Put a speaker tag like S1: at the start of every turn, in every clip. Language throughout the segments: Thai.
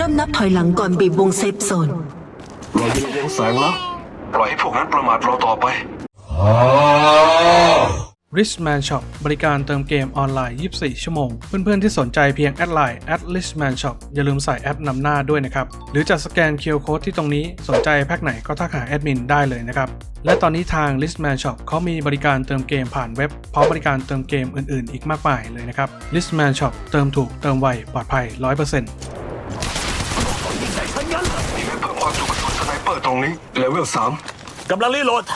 S1: เริ่มนับถอยหลังก่อนบีบวงเซฟโซน
S2: เราจะเลี้ยงแสงแล้วปล่อยให้พวกนั้นประมาทเราต่อไป
S3: Richman Shop บริการเติมเกมออนไลน์ 24 ชั่วโมง เพื่อนๆที่สนใจเพียงแอดไลน์ @Richman Shop อย่าลืมใส่แอปนำหน้าด้วยนะครับ หรือจะสแกน QR Code ที่ตรงนี้สนใจแพ็คไหนก็ทักหาแอดมินได้เลยนะครับ และตอนนี้ทาง Richman Shop เขามีบริการเติมเกมผ่านเว็บพร้อมบริการเติมเกมอื่นๆอีกมากมายเลยนะครับ Richman Shop เติมถูกเติมไวปลอดภัย 100%
S2: นี่ไม่เพิ่มความจุกระสุนสไนเปอร์ตรงนี้เลเวล3
S4: กำลังรีโหลด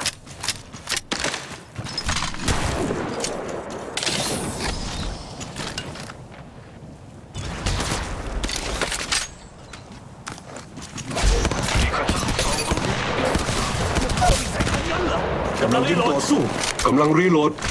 S4: กำลังรีโหลด
S2: สู้กำลังรีโหลด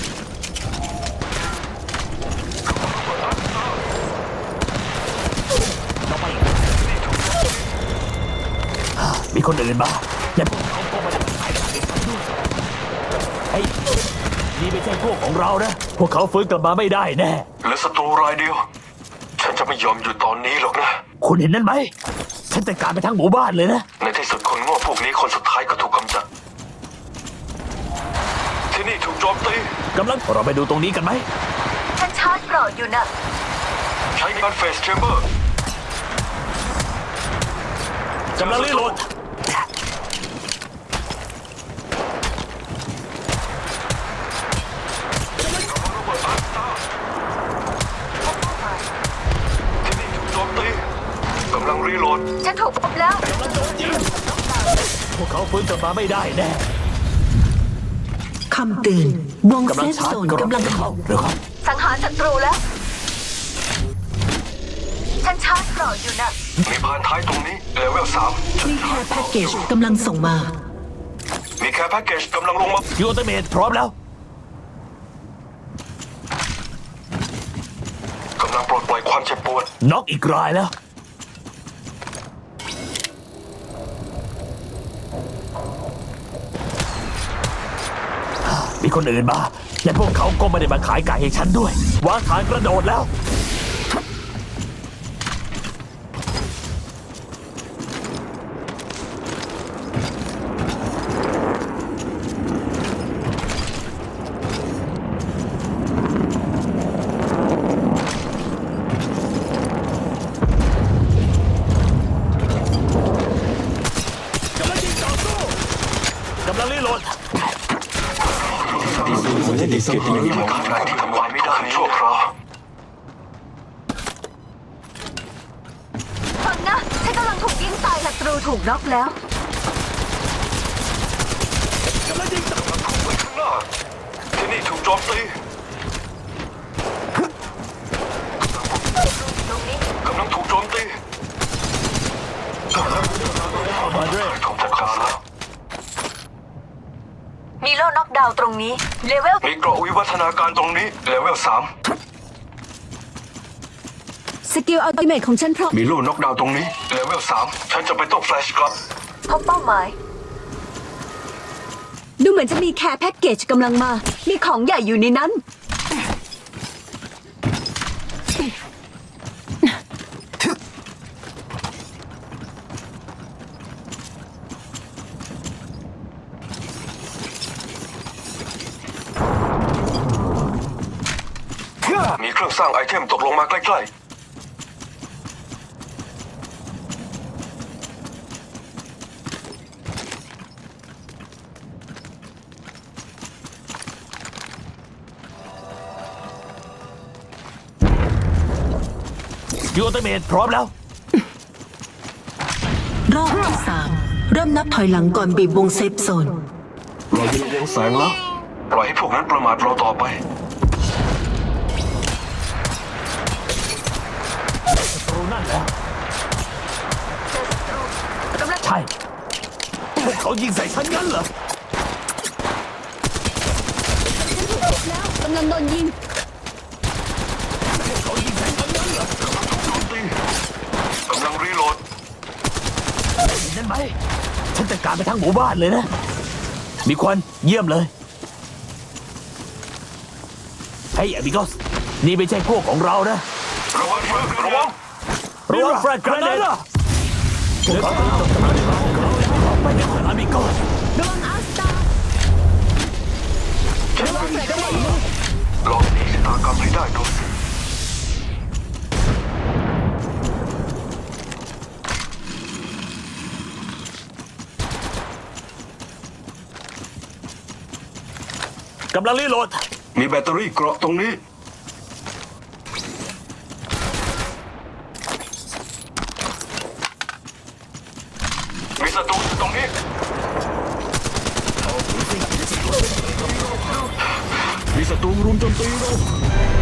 S4: มีคนอื่นบ้างและพวกเขาก็ไม่ได้ขายกันด้วยไอ้นี่ไม่ใช่พวกของเรานะพวกเขาฟื้นกลับมาไม่ได้แน่
S2: เหลือศัตรูรายเดียวฉันจะไม่ยอมอยู่ตอนนี้หรอกนะ
S4: คุณเห็นนั่นไหมฉันจัดการไปทั้งหมู่บ้านเลยนะ
S2: ในที่สุดคนโง่พวกนี้คนสุดท้ายก็ถูกกำจัดที่นี่ถูกโจมตี
S4: กำลังเราไปดูตรงนี้กันไหม
S5: ฉันชาร์จเกราะอยู่นะ
S2: ใช้การเฟสแชมเบอร์
S4: กำลังรีโหลด
S2: กำลังรีโหลด
S5: ฉันถูกพบแล้ว
S4: พวกเขาฟื้นกลับมาไม่ได้แน่
S1: คำเตือนวงเซฟโซนกำลังเข้า
S5: สังหารศัตรูแล้วฉันชาร์จเกราะอยู่นะ
S2: มีพานท้ายตรงนี้เลเวล3
S1: มีแค่แพ็กเกจกำลังส่งมา
S2: มีแค่แพ็กเกจกำลังลงมา
S4: ยูเตเมทพร้อมแล้ว
S2: กำลังปลดปล่อยความเจ็บปวด
S4: น็อกอีกรายแล้วมีคนอื่นมาและพวกเขาก็ไม่ได้มาขายไก่ให้ฉันด้วยวางฐานกระโดดแล้วกำลังรีโหลด
S2: ดีสังหารและการไหนที่ทำลายไม่ได้ชั่วคราว
S5: ฟังนะฉันกำลังถูกยิงตายศัตรูถูกน็อกแล้ว
S2: กำลังยิงต่อไปข้างหน้าที่นี่ถูกโจมตีกำลังถูกโจมตี
S4: มาด้วย
S2: ถูกจัดการแล้ว
S5: มีโล่น็อกดาวน์ตรงนี้เลเวล
S2: มีเกราะวิวัฒนาการตรงนี้เลเวล3
S5: สกิลอัลติเมทของฉันพร้อม
S2: มีโล่น็อกดาวน์ตรงนี้เลเวล3ฉันจะไปต้องแฟลชกลับ
S5: พบเป้าหมายดูเหมือนจะมีแคร์แพ็กเกจกำลังมามีของใหญ่อยู่ในนั้น
S2: มีเครื่องสร้างไอเทมตกลงมาใกล้
S4: ยูเตเมทพร้อมแล้ว
S1: รอบที่3เริ่มนับถอยหลังก่อนบีบวงเซฟโซน
S2: เราจะเลี้ยงแสงแล้วปล่อยให้พวกนั้นประมาทเราต่อไป
S4: นั่นแหละใช่พวกเขายิงใส่ฉันงั้นเหร
S5: กำลังโดนยิง
S4: เขายิงใส่ฉันงั้นเหร
S2: อกำลังรีโหลด
S4: นั่นไหมฉันจัดการไปทั้งหมู่บ้านเลยนะมีควันเยี่ยมเลยเฮ้ยอบิโกสนี่ไม่ใช่พวกของเรานะ
S2: ระวังระวัง
S4: ระวังแฟลชกระเด็นพวกเขาต้องจบกำลังในของเราแล้วไปกันเถอะอามิโก้
S5: ระวังอัลสตาร์
S2: ลองหนีชะตากรรมให้ได้ดู
S4: กำลังรีโหลด
S2: มีแบตเตอรี่เกราะตรงนี้มีศัตรูอยู่ตรงนี้มีศัตรูรุมโจมตีเรา